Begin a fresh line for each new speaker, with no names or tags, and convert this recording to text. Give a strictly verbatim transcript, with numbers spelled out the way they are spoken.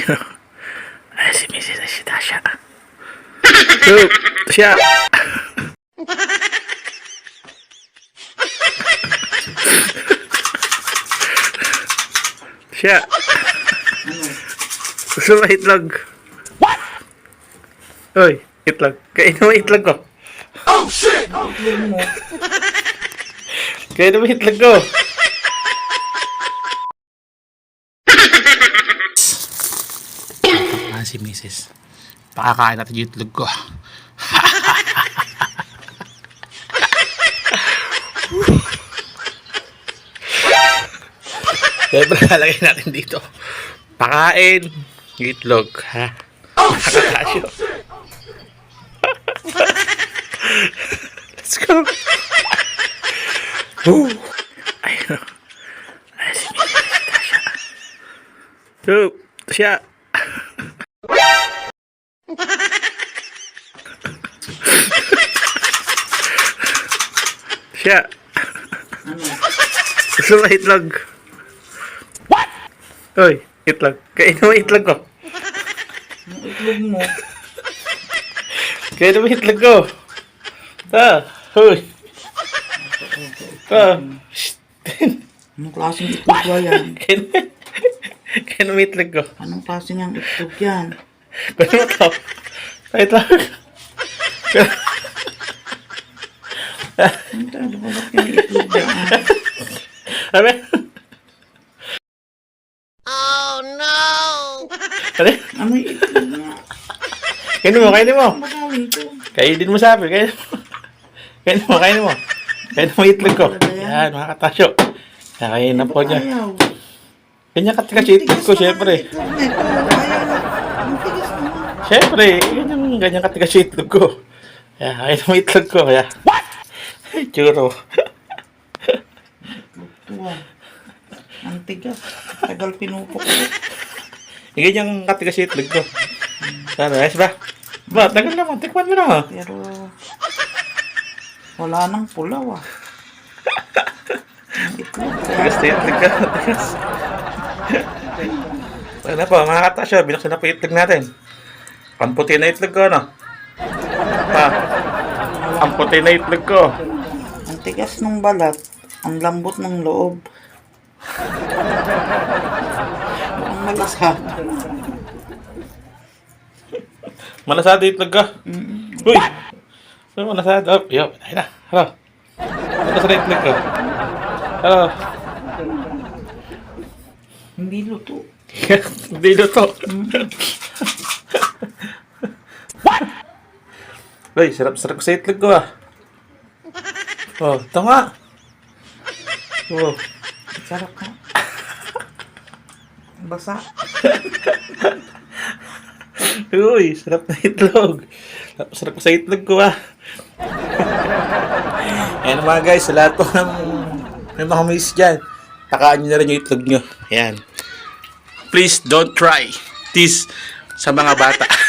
Ay, si Missus ay si Tasha. So, siya. Siya. Gusto mo itlog? What? Uy, itlog. Kainin mo itlog ko. Oh, shit! Kainin mo itlog ko. Ah, si Missus Pakakain natin yung itlog ko. Siyempre, lalagay natin dito. Pakain. Itlog, ha? Nakakasyo. Let's go. Woo. Ayun. Ay, si Missus si Tasha. So, siya. Siya. Gusto mo itlog? What? Uy, itlog. Kainin mo itlog ko.
Itlog mo.
Kainin mo itlog ko. Ah, uy. Ah, shh.
Anong klaseng itlog ba yan?
Kainin mo itlog ko.
Anong klaseng ang itlog yan?
Kainin mo to. Itlog.
Ang talo ko ba't yung itlog yan?
Sabi?
Oh no!
Ano?
Ano yung itlog nga?
Kainin mo, kainin mo.
Ang magawin ko.
Kainin mo sabi, kainin mo. Kainin mo, kainin mo. Kainin mo itlog ko. Yan, mga katasyo. Kakainin na po niya.
Ayaw.
Ganyan katigas itlog ko, syempre.
Itlog na ito. Ayaw na. Ang tigas naman.
Syempre, ganyan, ganyan katigas itlog ko. Kaya, kainin mo itlog ko. Kaya, what? Churo.
Tuwa. Ang tigas. Tagal pinupok ko.
Ganyan katigas itlog ko. Ano, ayos ba? Ba, tagal naman. Tikman mo naman.
Pero wala nang pulaw ah. Ang itlog.
Tigas na itlog ka. Tigas. Ano po, mga katasyo, binuksan na po itlog natin. Pamputi na itlog ko, ano? Ha? Ang puti na itlog ko.
Ang tigas ng balat. Ang lambot ng loob. Ang malasa.
Manasado itlog ka.
Mm-mm.
Uy! Ano manasado? Oh, yo, ayun na. Hello. Manasado itlog ko. Hello.
Hindi luto.
Hindi luto. What? Uy, sarap-sarap sa itlog ko ah. Oh, ito nga. Oh.
Sarap na. Basa.
Uy, sarap na itlog. Sarap, sarap sa itlog ko ah. Ayan mga guys, sa lahat po ng may mga miss dyan, takaan nyo na rin yung itlog nyo. Ayan. Please don't try this sa mga bata.